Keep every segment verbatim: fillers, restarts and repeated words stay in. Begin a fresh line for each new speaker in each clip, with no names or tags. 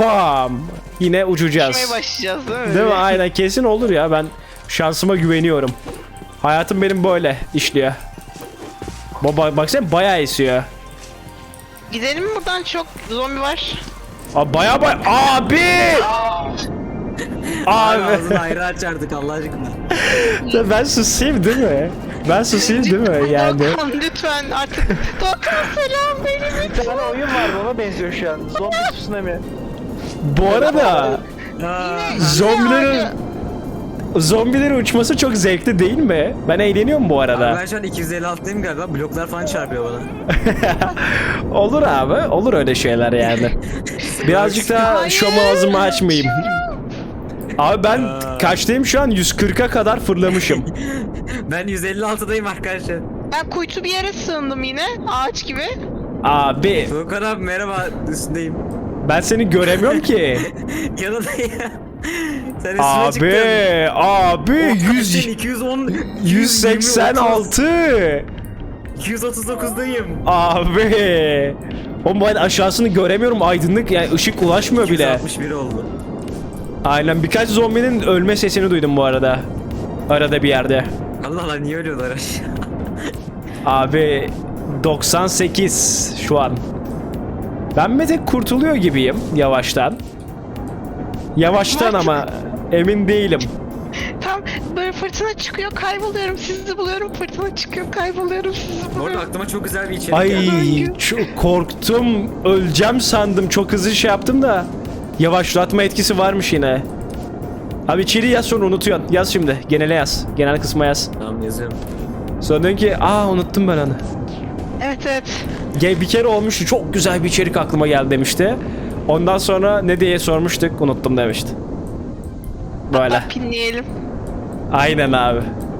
bam. Yine uçacağız.
Uçmaya başlayacağız değil mi?
Değil mi? Aynen, kesin olur ya. Ben şansıma güveniyorum. Hayatım benim böyle işliyor. Baba baksana, bayağı esiyor.
Gidelim mi buradan, çok zombi var.
Aa, bayağı bayağı. Abi!
Abi
Abi.
ağzını ayrı açardık Allah aşkına.
Ben susayım değil mi? Ben susayım değil mi yani?
Doğukan lütfen artık. Doğukan selam benim.
Bir tane oyun var, ona benziyor şu an. Zombi tsunami.
Bu arada
Aa,
zombilerin zombilerin uçması çok zevkli değil mi? Ben eğleniyorum bu
abi
arada.
ben şu an iki yüz elli altıdayım galiba. Bloklar falan çarpıyor bana.
Olur abi, olur öyle şeyler yani. Birazcık daha
Hayır.
şom ağzımı açmayayım. Abi ben
Aa.
kaçtayım şu an? yüz kırka kadar fırlamışım.
Ben yüz elli altıdayım arkadaşlar.
Ben kuytu bir yere sığındım yine. Ağaç gibi.
Abi
Doğukan abi merhaba, üstündeyim.
ben seni göremiyorum ki.
Yanındayım. Sen üstüme
Abi,
çıktın.
abi
Oh,
yüz
iki yüz on,
yüz seksen altı.
iki yüz otuz dokuzdayım.
Abi. Oğlum ben aşağısını göremiyorum, aydınlık yani, ışık ulaşmıyor
iki yüz
bile.
altmış bir oldu.
Aynen, birkaç zombinin ölme sesini duydum bu arada. Arada bir yerde.
Allah Allah, niye ölüyorlar aşağı?
Abi doksan sekiz şu an. Ben bir tek kurtuluyor gibiyim yavaştan. Yavaştan ama emin değilim.
Tam böyle fırtına çıkıyor, kayboluyorum, sizi buluyorum. Fırtına çıkıyor, kayboluyorum, sizi
Bu arada
buluyorum.
aklıma çok güzel bir içerik
Ay
geldi.
çok korktum, öleceğim sandım, çok hızlı şey yaptım da. Yavaşlatma etkisi varmış yine. Abi içeri yaz, sonra unutuyorsun. Yaz şimdi, genele yaz. Genel kısma yaz.
Tamam, yazıyorum.
Sonra diyorsun ki aa unuttum ben onu.
Evet evet.
Ge- Bir kere olmuştu, çok güzel bir içerik aklıma geldi demişti. Ondan sonra ne diye sormuştuk, unuttum demişti. Böyle.
Hatta pinleyelim.
Aynen abi.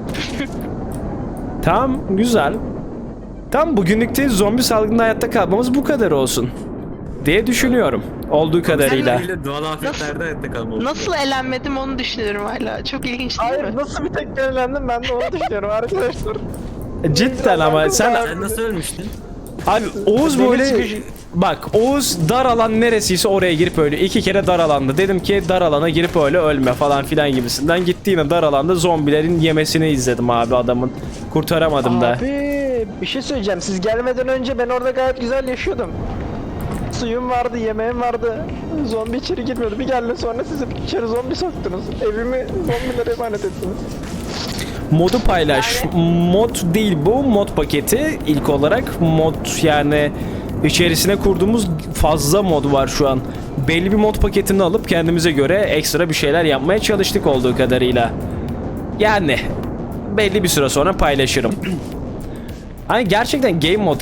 Tamam, güzel. Tam bugünlükte zombi salgında hayatta kalmamız bu kadar olsun diye düşünüyorum. Olduğu kadarıyla.
Sen doğal afetlerde hayatta kalmalı.
Nasıl elenmedim onu düşünüyorum hala. Çok ilginç değil
Hayır,
mi?
nasıl bir tek elendim, ben de onu düşünüyorum arkadaşlar.
Cidden ama sen
Sen nasıl ölmüştün?
abi Oğuz
Demir
böyle
sıkışı-
bak, Oğuz dar alan neresiyse oraya girip öyle iki kere dar alanda, dedim ki dar alana girip öyle ölme falan filan gibisinden, gitti yine dar alanda zombilerin yemesini izledim abi adamın, kurtaramadım da.
Abi bir şey söyleyeceğim, siz gelmeden önce ben orada gayet güzel yaşıyordum. Suyum vardı, yemeğim vardı. Zombi içeri girmiyordu. Bir geldi sonra siz içeri zombi soktunuz. Evimi zombilere emanet ettiniz.
Modu paylaş. Mod değil bu, mod paketi ilk olarak. Mod yani içerisine kurduğumuz fazla mod var şu an. Belli bir mod paketini alıp kendimize göre ekstra bir şeyler yapmaya çalıştık olduğu kadarıyla. Yani belli bir süre sonra paylaşırım. Hani gerçekten game mod